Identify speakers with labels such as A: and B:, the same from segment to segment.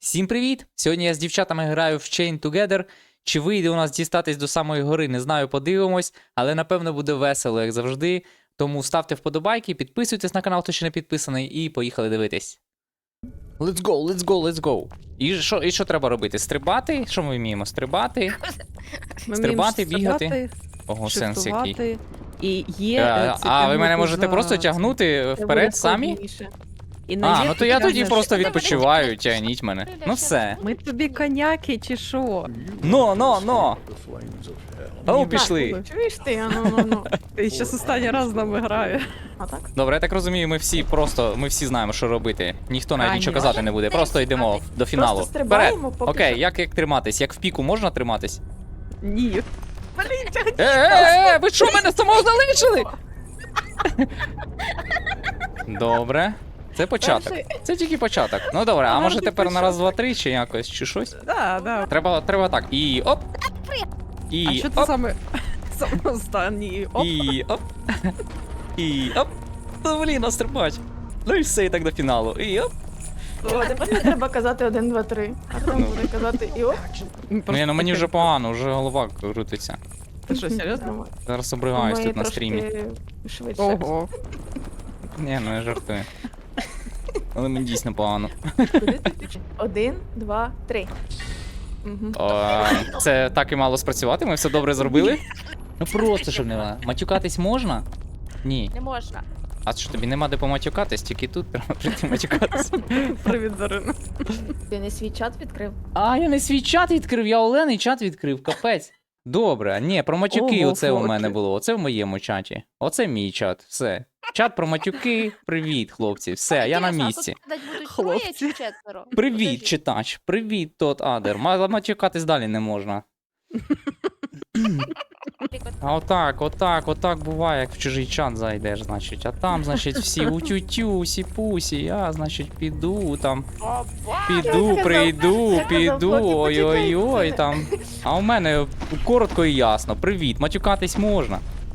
A: Всім привіт! Сьогодні я з дівчатами граю в Chain Together. Чи вийде у нас дістатись до самої гори, не знаю, подивимось, але напевно буде весело, як завжди. Тому ставте вподобайки, підписуйтесь на канал, хто ще не підписаний, і поїхали дивитись. Let's go, let's go, let's go. І що треба робити? Стрибати? Що ми вміємо? Стрибати? Стрибати, бігати? Ого, сенс який.
B: І є,
A: ви мене можете просто тягнути вперед самі? Ну то я тоді просто відпочиваю, тягніть мене. Ну все.
B: Ми тобі коняки чи що?
A: Но! Ну, пішли.
C: Чуєш ти? Ну.
B: Ти щас останній раз з нами грає.
C: А так?
A: Добре, я так розумію, ми всі знаємо, що робити. Ніхто навіть нічого
B: Конечно.
A: казати не буде, просто йдемо до фіналу.
C: Просто стрибаємо,
A: Вперед.
C: поки
A: Окей,
C: що.
A: як триматись? Як в піку можна триматись?
B: Ні.
A: Ви що, мене самого залишили? Добре. Це початок.
C: Перший.
A: Це тільки початок. Ну добре, а може
C: Гарний
A: тепер на раз, два, три чи якось, чи щось?
B: Да.
A: Треба так. І оп.
B: А
A: І
B: що ти
A: оп.
B: саме останній? Оп.
A: І оп. І оп. Ну блін, настрибач. Ну і все, і так до фіналу. І оп.
C: О, тепер не треба казати 1, 2, 3. А там буде казати і оп.
A: Ну мені вже погано, вже голова крутиться.
B: Ти що, серйозно?
A: Зараз обриваюсь
C: Ми
A: тут на
C: трошки
A: стрімі.
C: Швидше.
B: Ого.
A: Ні, ну я жартую. Але мені дійсно погано.
C: 1, 2, 3.
A: Це так і мало спрацювати, ми все добре зробили. Ну просто щоб не матюкатись можна? Ні.
D: Не можна.
A: А що тобі нема де поматюкатись, тільки тут треба прийти матюкатись.
B: Привіт, Дарина.
C: Ти не свій чат відкрив?
A: А, я не свій чат відкрив, я Олений чат відкрив, капець. Добре, ні, про матюки
B: Ого,
A: оце у
B: фоки.
A: мене було, оце в моєму чаті. Оце мій чат, все. Чат про матюки, привіт, хлопці, все, я на
D: Інтересно, а
A: місці.
D: тут гадать будуть
B: Хлопці.
D: троє чи четверо?
A: Привіт,
D: Подожди.
A: читач, привіт, тот Адер. Матюкатись далі не можна. А отак буває, як в чужий чат зайдеш, значить. А там, значить, всі утю-тю, сі-пусі, я, значить, піду там.
D: О,
A: Піду,
C: казав,
A: прийду,
C: я казав,
A: піду,
C: хлопці,
A: ой-ой-ой
C: почекайте.
A: там. А у мене коротко і ясно. Привіт, матюкатись можна.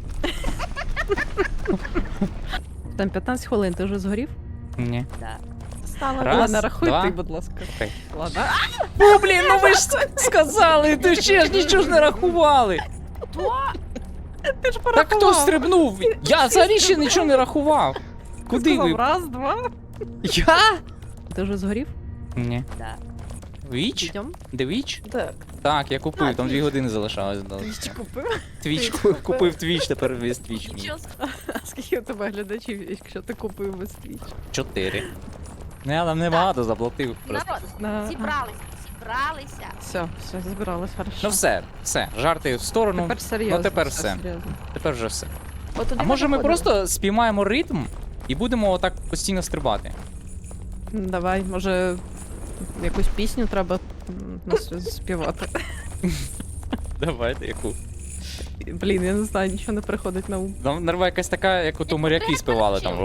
B: Там 15 хвилин, ти вже згорів?
A: Ні.
D: да.
C: Стало
A: Раз,
B: Ладно, рахуй
A: два.
B: ти, будь ласка.
A: Окей.
B: Ладно.
A: О, блін, ну ви ж сказали, ти ще ж нічого ж не рахували.
B: Ти ж
A: Так хто стрибнув? Я взагалі ще нічого не рахував. Куди ви?
B: Раз, два.
A: Я?
B: Ти вже згорів?
A: Ні.
D: Да.
A: Віч?
B: Йдем.
A: Де Віч?
C: Так.
A: Так, я купив, там 2 години залишалось.
B: Твіч купив?
A: Твіч
C: купив.
A: купив Твіч, тепер весь Твіч мій.
D: Нічого собі.
B: А скільки у тебе глядачів, якщо ти купив без твіч?
A: 4. Ну я там небагато заплатив просто.
D: Народ, зібралися.
B: Все, збиралась, хорошо.
A: Ну все, жарти в сторону.
B: Тепер серйозно.
A: Ну тепер все.
B: Серйозно.
A: Тепер вже все.
C: От туди
A: А може ми
C: заходимо.
A: просто спіймаємо ритм і будемо отак постійно стрибати?
B: Давай, може, якусь пісню треба нас співати.
A: Давайте яку.
B: Блін, я не знаю, нічого не приходить на ум.
A: Там нерва якась така, як ото моряки співали там.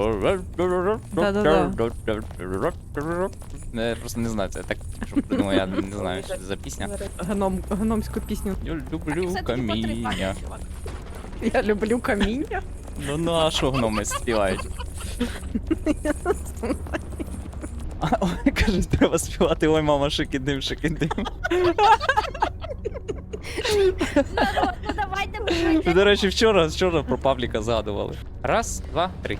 A: Я просто не знаю, це так, щоб придумав, я не знаю, що це за пісня.
B: Гномську пісню.
A: Я люблю каміння.
B: Я люблю каміння.
A: Ну а що гноми співають? Ой, кажуть, треба співати, ой, мама, шикидим, шикидим.
D: Народ, ну давайте ми
A: До речі, вчора про Павліка згадували. Раз, два, три.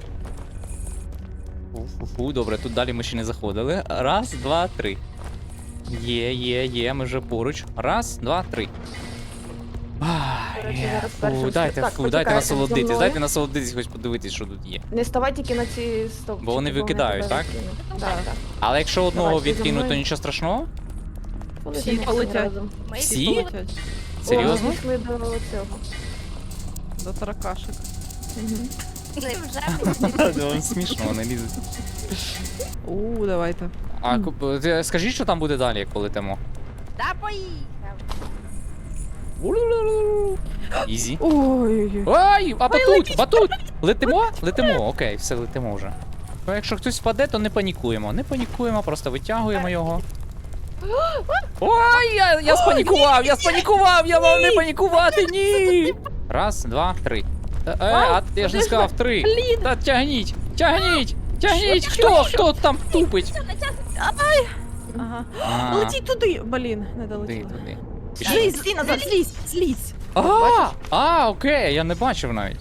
A: Фу, добре, тут далі ми ще не заходили. Раз, два, три. Є, ми вже поруч. Раз, два, три.
C: До речі, зараз першим
A: Дайте,
C: Так,
A: дайте
C: почекайте,
A: насолодитись,
C: зі мною.
A: дайте насолодитись, хоч подивитись, що тут є.
C: Не ставай тільки на ці стовпчики.
A: Бо вони викидають, так?
C: Так.
A: Але якщо одного
C: Давай, ти за
A: відкинуть, то
C: мною.
A: нічого страшного?
B: Всі полетять.
D: Ми
A: Всі?
B: Полетять
A: Серйозно?
C: О, ми дійшли до цього.
B: до таракашек.
D: вже
A: Вам смішно, вони лізуть.
B: Давайте.
A: А скажіть, що там буде далі, як полетимо?
D: Та поїхав.
A: Ізі.
B: Ой-ой-ой.
A: Ой, а батут! Летимо? Летимо, окей, все, летимо вже. Ну, якщо хтось впаде, то не панікуємо, просто витягуємо його. Ой, я спанікував, я мав не панікувати, ні! Раз, два, три. А я ж не сказав три. Та тягніть, хто там тупить?
B: Ага.
A: А,
B: Летіть туди! Блін, не
A: туди,
B: долетіла.
A: туди.
B: Злізь, стій назад, злізь, злізь!
A: Окей, я не бачив навіть.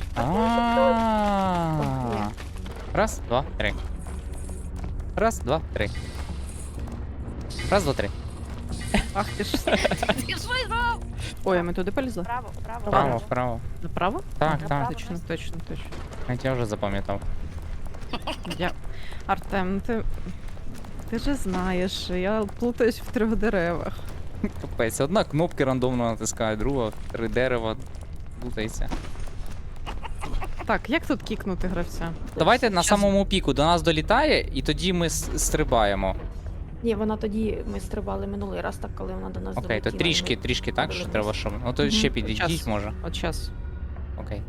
A: Раз, два, три. Раз, два, три. Раз, два, три.
B: Ах ти ж.
D: Ти що зробив?
B: Ой, а ми туди полізли?
D: Вправо, вправо.
A: Вправо, вправо.
B: Направо?
A: Так,
D: Направо.
A: так.
B: Точно, точно, точно.
A: Я вже запам'ятав.
B: Я... Артем, ти же знаєш, я плутаюсь в 3 деревах.
A: Капець, одна кнопки рандомно натискає, друга 3 дерева. Плутається.
B: Так, як тут кікнути гравця?
A: Давайте на
B: Щас-
A: самому піку до нас долітає, і тоді ми стрибаємо.
C: Ні, вона тоді ми стрибали минулий раз, так коли вона до нас
A: Окей, то
C: долетіла, і ми
A: трішки так, що
C: подивились.
A: треба, щоб. Ну то ще
B: Мгм.
A: підійдіть,
B: Щас.
A: може.
B: От час.
A: Окей.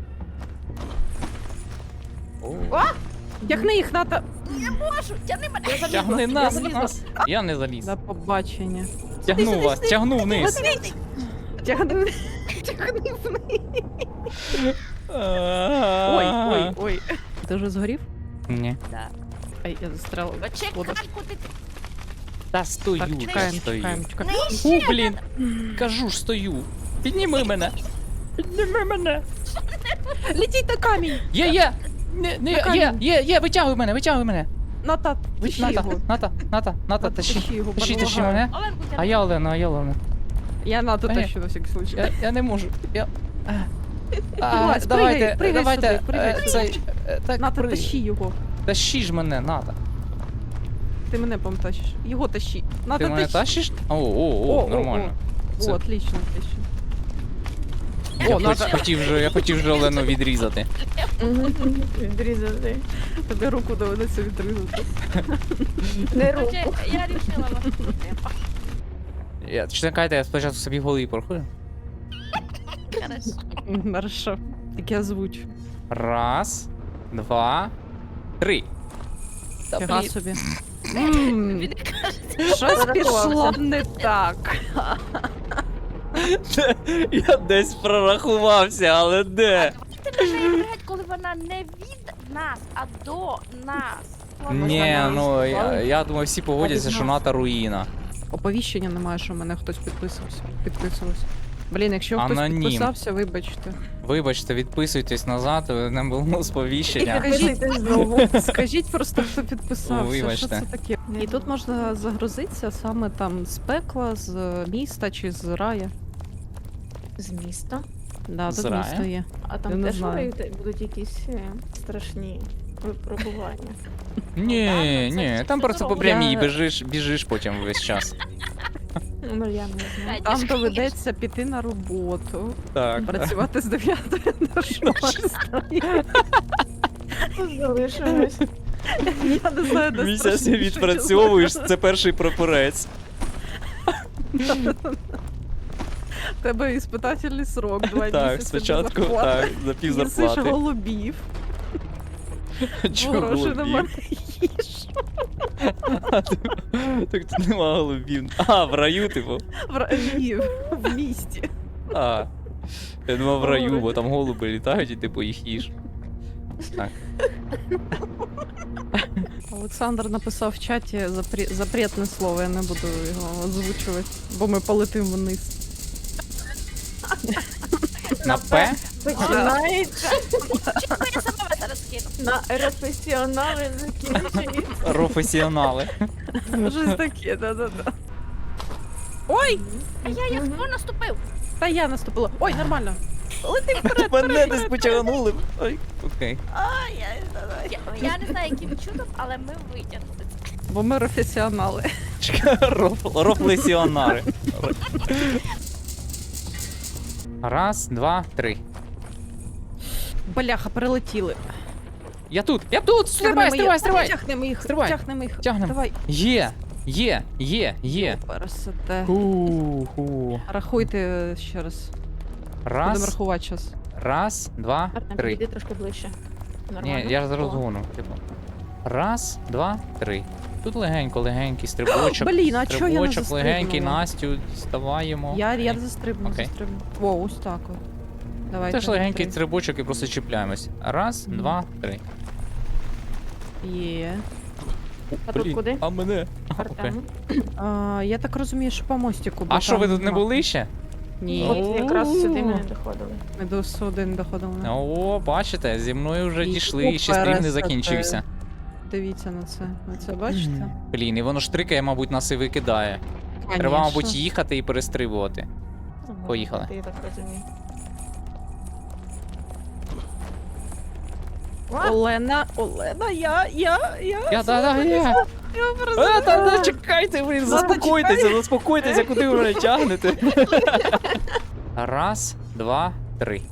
B: Тягни їх, Ната!
D: Можу, тяни мене.
A: Тягни нас! Я не заліз.
B: До побачення.
A: Тягну вас, тягну вниз.
B: Тягни. Тягни вниз. Ой. Ти вже згорів?
A: Ні.
D: Да.
B: Ай, я застряла.
D: Почекай,
B: Вода.
D: куди ти?
A: Та стою,
B: Так, чекаємо,
A: стою.
B: чекаємо, чекаємо.
A: Фу, блін. Кажу ж, стою. Підніми мене. Підніми мене.
B: Летіть на камінь!
A: Є.
B: На
A: Є, витягуй мене.
B: Ната, тащи
A: Ната,
B: його.
A: Ната, тащи.
B: Тащи його,
A: Тащи
B: помагаю.
A: мене.
D: Оленку
A: А
D: тяни.
A: я Олена.
B: Я Нату
A: Ні.
B: тащу на всякий случай.
A: Я не можу.
B: Вилазь,
A: Давайте,
B: пригай
A: давайте,
B: сюди, пригай
A: цей, так,
B: Ната, тащи його.
A: Тащи ж мене, Ната.
B: Ти мене потащиш. Його тащи. Ната,
A: Ти мене
B: тащи.
A: тащиш? О, нормально. Це-
B: О, отлично.
A: Я
B: О, Ната,
A: хотів вже Олену відрізати.
C: Мгм. Відрізати.
B: тобі руку доведеться відрізати.
C: Не руку.
D: Короче, я рішила вас.
A: Чекайте, я спочатку собі в голові порахую.
D: Хорошо.
B: Хорошо. Тільки озвуч.
A: Раз, два, три. Та,
B: Фіга
A: блін.
B: собі.
D: Він каже,
B: Щось пішло не так.
A: Я десь прорахувався, але де?
D: ти починаєш грати, коли вона не від нас, а до нас.
A: Ні, ну
C: я-
A: я думаю, всі погодяться, що Ната руїна.
B: Оповіщення немає, що мене хтось підписувався. Блін, якщо хтось
A: Анонім.
B: підписався, вибачте.
A: Вибачте, відписуйтесь назад, не було сповіщення.
C: Підписуйтесь знову.
B: Скажіть просто, хто підписався.
A: Вибачте.
B: Що це таке? І тут можна загрузитися саме там з пекла, з міста чи з рая.
C: З міста.
B: Да,
A: З
B: тут
A: рая?
B: місто є.
C: А
B: Я
C: там
B: не
C: теж
B: знаю.
C: будуть якісь страшні випробування.
A: Ні, там просто по
D: здорово.
A: прямій
B: Я-
A: біжиш потім весь час.
C: Ну я не знаю.
B: Там доведеться піти на роботу,
A: Так.
B: працювати з 9 до 6.
C: Тут залишилось.
B: Я не знаю, де
A: Місяць
B: страшніше,
A: відпрацьовуєш, це перший прапорець.
B: У тебе іспитательний срок, 2
A: Так,
B: місяці.
A: спочатку
B: без зарплати.
A: так, за пів
B: Їсиш
A: зарплати.
B: голубів,
A: Чого
B: гроші
A: голубів?
B: немає їж.
A: Так тут нема голубів. А, в раю, типу.
B: Ні, в місті.
A: А. Я думав в раю, бо там голуби літають і типу їх їж. Так.
B: Олександр написав в чаті запретне слово, я не буду його озвучувати, бо ми полетимо вниз.
A: На П?
C: Починається
D: Чекай, я сама вас зараз кину.
C: на професіонали закінчується.
A: Професіонали.
B: Щось таке, да-да-да. Ой!
D: А я хто наступив?
B: Та я наступила. Ой, нормально. Лети вперед,
A: Мене
B: вперед,
A: десь
B: вперед.
A: потягнули. Ой, окей.
D: Я не знаю, яким чудом, але ми витягнули це.
B: Бо ми професіонали.
A: Чекай, рофлесіонари. Раз, два, три.
B: Бляха, перелетіли.
A: Я тут! Стрибай!
B: Тягнемо їх,
A: Стрибай.
B: тягнемо їх.
A: Тягнем.
B: Давай.
A: Є.
B: Пересете.
A: Ху-ху.
B: Рахуйте ще раз. Будемо
A: Раз,
B: рахувати час.
A: раз, два,
C: Артем,
A: три.
C: підійди трошки ближче. Нормально?
A: Ні, я зараз
C: О.
A: гону, типу. Раз, два, три. Тут легенький стрибочок.
B: Блін, а чого я не
A: Стрибочок легенький,
B: застрибнула?
A: Настю, ставаємо.
B: Я застрибну,
A: Окей.
B: застрибну. О, ось так от. Давайте.
A: Теж легенький
B: три.
A: стрибочок і просто чіпляємось. Раз,
B: Мгм.
A: два, три.
B: Є.
C: А тут куди?
A: А мене?
C: Артему.
B: Я так розумію, що по мостику. бо
A: А що, ви
B: там
A: тут не
B: мапа.
A: були ще?
B: Ні.
C: От якраз сюди ми не доходили.
B: Ми до сюди не доходили.
A: О, бачите, зі мною вже
B: І
A: дійшли, і ще
B: супер,
A: стрім не
B: це
A: закінчився.
B: Дивіться на це. Ви це бачите?
A: Блін, і воно штрикає, мабуть, нас і викидає. Треба,
B: Конечно.
A: мабуть, їхати і перестрибувати. Поїхали.
C: Я так розумію.
B: Олена, я.
A: Чекайте, ви заспокойтеся, куди ви мене тягнете. Раз, два, три.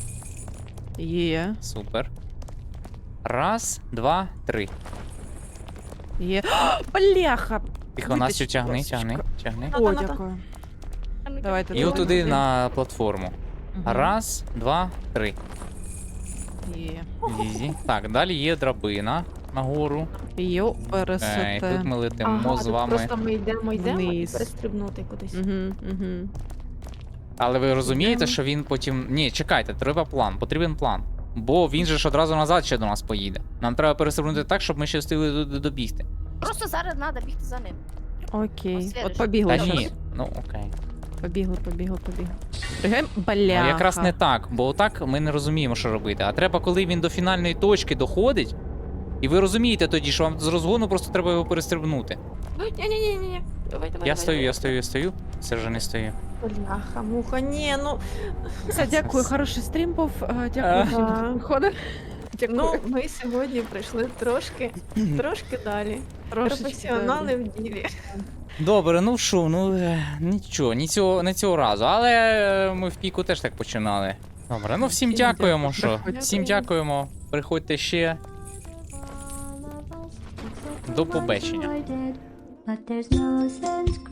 B: Є.
A: Супер. Раз, два, три.
B: Є. Бляха!
A: Тихо, Настю,
B: Витащ,
A: тягни,
B: ласочка.
A: тягни.
B: О,
C: Ната.
B: дякую.
D: А ну-ка.
B: Давайте.
A: І отуди на платформу.
B: Мгм.
A: Раз, два, три.
B: Є.
A: Ізі. Так, далі є драбина нагору.
B: Йо,
A: І тут
B: пересете.
A: ми летимо
C: Ага,
A: з
C: тут
A: вами.
C: просто ми йдемо і
B: Вниз.
C: перестрибнути кудись.
B: Угу.
A: Але ви розумієте,
B: Йдемо.
A: що він потім. Ні, чекайте, треба план, потрібен план. Бо він же ж одразу назад ще до нас поїде. Нам треба перестрибнути так, щоб ми ще встигли добігти.
D: Просто зараз треба бігти за ним.
B: Окей.
D: Послідуєш.
B: От побігли.
A: Та ні,
B: щас.
A: ну окей.
B: Побігли. Пригаємо.
A: Ну,
B: Бляха.
A: якраз не так, бо отак ми не розуміємо, що робити. А треба, коли він до фінальної точки доходить, і ви розумієте тоді, що вам з розгону просто треба його перестрибнути.
C: Ні. Давай.
A: Я стою. Все вже не стою.
C: Бляха, муха, ні, ну.
B: Все, дякую, хороший стрім був. Дякую всім,
C: Ага.
B: хто приходив. Дякую.
C: Ну, ми сьогодні прийшли трошки далі.
B: Трошечки,
C: Професіонали в ділі.
A: Добре, ну що, нічого, не цього разу. Але ми в піку теж так починали. Добре, ну всім
B: Всім
A: дякуємо,
B: дякую,
A: що.
B: приходьте.
A: Всім дякуємо. Приходьте ще.
E: До побачення. But there's no sense